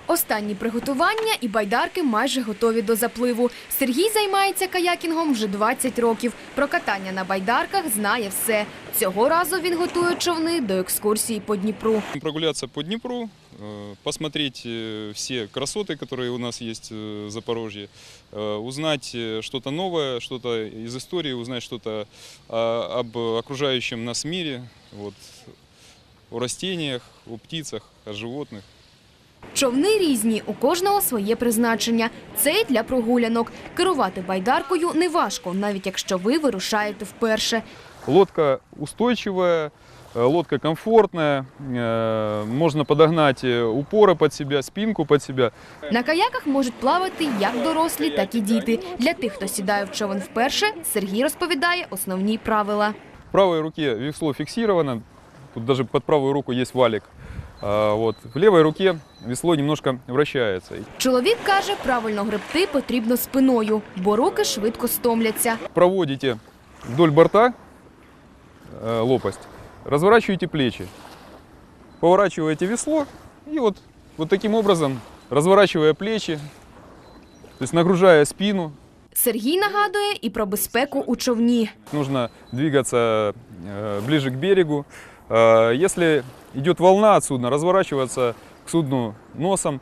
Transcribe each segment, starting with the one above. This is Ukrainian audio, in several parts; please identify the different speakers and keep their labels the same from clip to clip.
Speaker 1: Останні приготування і байдарки майже готові до запливу. Сергій займається каякінгом вже 20 років. Про катання на байдарках знає все. Цього разу він готує човни до екскурсії по Дніпру.
Speaker 2: Прогуляться по Дніпру, посмотреть все красоты, которые у нас есть в Запорожье, узнать что-то новое, что-то из истории, узнать что-то об окружающем нас мире, вот, о растениях, о птицах, о животных.
Speaker 1: Човни різні, у кожного своє призначення. Цей для прогулянок. Керувати байдаркою неважко, навіть якщо ви вирушаєте вперше.
Speaker 2: Лодка устойчивая, лодка комфортная, можно подогнать упоры под себя, спинку под себя.
Speaker 1: На каяках можуть плавати як дорослі, так і діти. Для тих, хто сідає в човен вперше, Сергій розповідає основні правила.
Speaker 2: В правой руке весло фиксировано, тут даже под правую руку есть валик. Вот. В левой руке весло немножко вращается.
Speaker 1: Чоловік каже, правильно гребти потрібно спиною, бо руки швидко стомляться.
Speaker 2: Проводите вдоль борта лопасть, разворачиваете плечи, поворачиваете весло и вот таким образом, разворачивая плечи, то есть нагружая спину.
Speaker 1: Сергій нагадує і про безпеку у човні.
Speaker 2: Нужно двигаться ближе к берегу. Если идет волна от судна, разворачиваться к судну носом.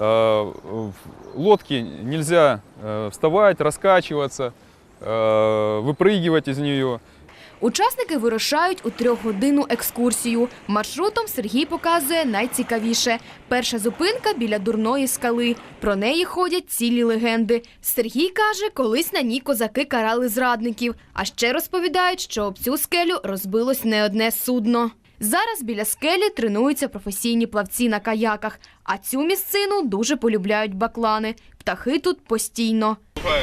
Speaker 2: В лодке нельзя вставать, раскачиваться, выпрыгивать из нее.
Speaker 1: Учасники вирушають у 3-годинну екскурсію. Маршрутом Сергій показує найцікавіше. Перша зупинка біля Дурної скали. Про неї ходять цілі легенди. Сергій каже, колись на ній козаки карали зрадників. А ще розповідають, що об цю скелю розбилось не одне судно. Зараз біля скелі тренуються професійні плавці на каяках. А цю місцину дуже полюбляють баклани. Птахи тут постійно.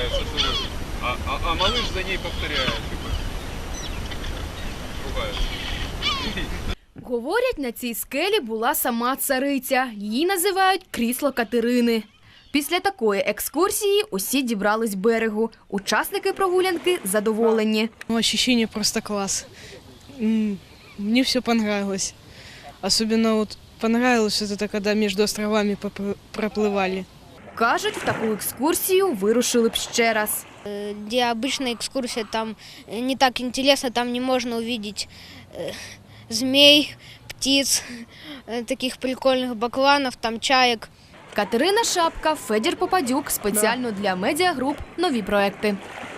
Speaker 2: А малыш за ней повторяет.
Speaker 1: Говорять, на цій скелі була сама цариця. Її називають крісло Катерини. Після такої екскурсії усі дібрались берегу. Учасники прогулянки задоволені.
Speaker 3: Ощущение просто класс. Мне все понравилось. Особенно вот понравилось это, когда между островами проплывали.
Speaker 1: Кажуть, в таку екскурсію вирушили б ще раз.
Speaker 4: Где обычная экскурсия, там не так интересно, там не можно увидеть змей, птиц, таких прикольных бакланов, там чаек.
Speaker 1: Катерина Шапка, Федір Попадюк. Спеціально для медіагруп «Нові проекти».